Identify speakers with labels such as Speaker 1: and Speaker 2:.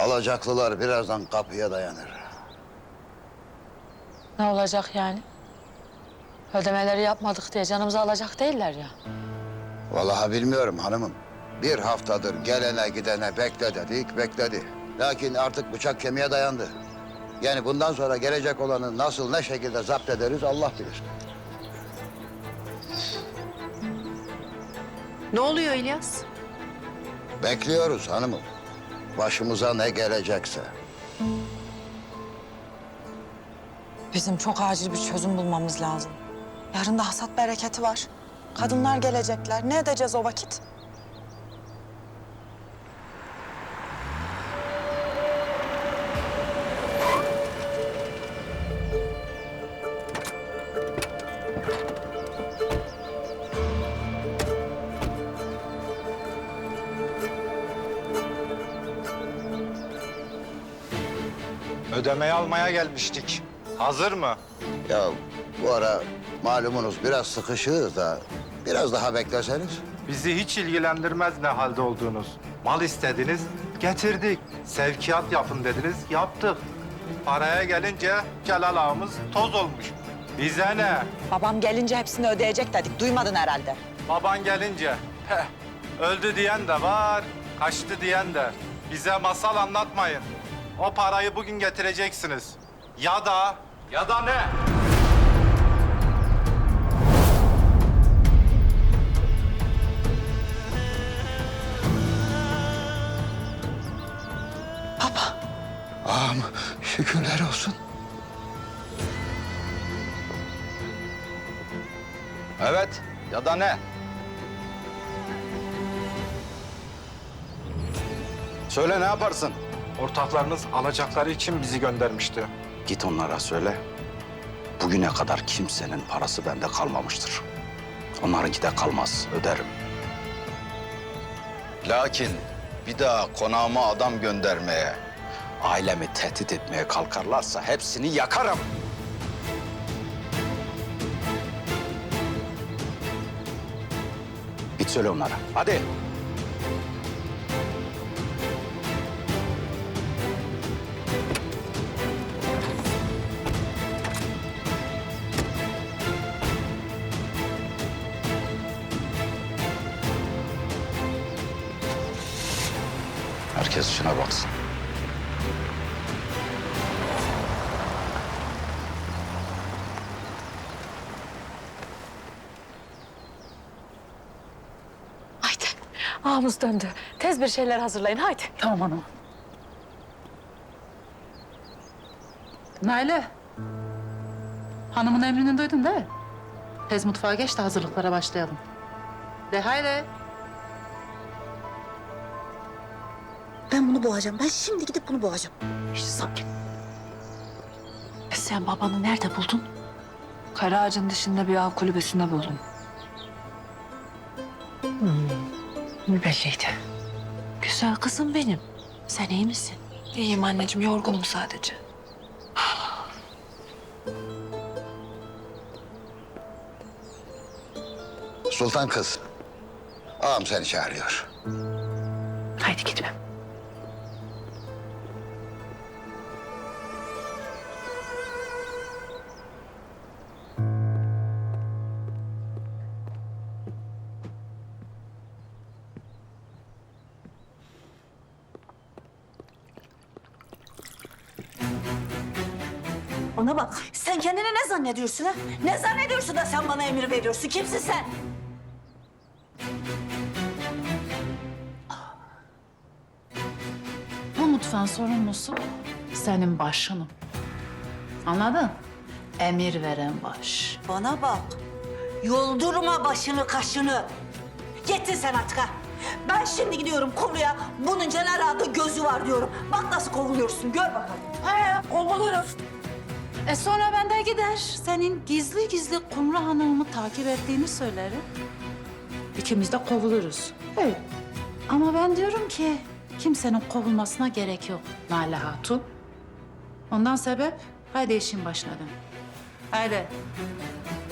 Speaker 1: Alacaklılar birazdan kapıya dayanır.
Speaker 2: Ne olacak yani? Ödemeleri yapmadık diye canımızı alacak değiller ya.
Speaker 1: Vallahi bilmiyorum hanımım. Bir haftadır gelene gidene bekle dedik, bekledi. Lakin artık bıçak kemiğe dayandı. Yani bundan sonra gelecek olanı nasıl, ne şekilde zapt ederiz Allah bilir.
Speaker 3: Ne oluyor İlyas?
Speaker 1: Bekliyoruz hanımım. Başımıza ne gelecekse.
Speaker 4: Bizim çok acil bir çözüm bulmamız lazım. Yarın da hasat bereketi var. Kadınlar gelecekler. Ne edeceğiz o vakit?
Speaker 5: Ödemeyi almaya gelmiştik. Hazır mı?
Speaker 1: Ya bu ara malumunuz biraz sıkışığız da biraz daha bekleseniz.
Speaker 5: Bizi hiç ilgilendirmez ne halde olduğunuz. Mal istediniz, getirdik. Sevkiyat yapın dediniz, yaptık. Paraya gelince Celal ağamız toz olmuş. Bize ne?
Speaker 4: Babam gelince hepsini ödeyecek dedik. Duymadın herhalde.
Speaker 5: Baban gelince, öldü diyen de var, kaçtı diyen de. Bize masal anlatmayın. O parayı bugün getireceksiniz. Ya da ne?
Speaker 1: Ağam şükürler olsun.
Speaker 5: Evet, ya da ne?
Speaker 6: Söyle ne yaparsın?
Speaker 5: Ortaklarınız alacakları için bizi göndermişti.
Speaker 6: Git onlara söyle. Bugüne kadar kimsenin parası bende kalmamıştır. Onlarınki de kalmaz, öderim. Lakin bir daha konağıma adam göndermeye, ailemi tehdit etmeye kalkarlarsa hepsini yakarım. Git söyle onlara, hadi. Herkes işine baksın.
Speaker 2: Haydi. Ağamız döndü. Tez bir şeyler hazırlayın haydi.
Speaker 7: Tamam hanım. Naile. Hanımın emrini duydun değil mi? Tez mutfağa geç de hazırlıklara başlayalım. De haydi.
Speaker 4: Ben bunu boğacağım. Ben şimdi gidip bunu boğacağım. İşte sakin.
Speaker 2: Sen babanı nerede buldun? Karaağaç'ın dışında bir av kulübesinde buldum. Belliydi. Güzel kızım benim. Sen iyi misin?
Speaker 3: İyiyim anneciğim, yorgunum sadece.
Speaker 1: Sultan kız. Ağam seni çağırıyor.
Speaker 2: Haydi gitme.
Speaker 8: Bana bak, sen kendini ne zannediyorsun ha? Ne zannediyorsun da sen bana emir veriyorsun? Kimsin sen?
Speaker 7: Bu mutfağın sorumlusu senin başınım. Anladın? Emir veren baş.
Speaker 8: Bana bak, yoldurma başını kaşını. Yettin sen artık ha. Ben şimdi gidiyorum konuya, bunun Celal Ağa'da gözü var diyorum. Bak nasıl kovuluyorsun, gör bakalım.
Speaker 7: Kovulurum. Sonra ben de gider. Senin gizli gizli Kumru Hanım'ı takip ettiğini söylerim. İkimiz de kovuluruz. Evet. Ama ben diyorum ki kimsenin kovulmasına gerek yok Naile Hatun. Ondan sebep haydi işin başına dön. Haydi.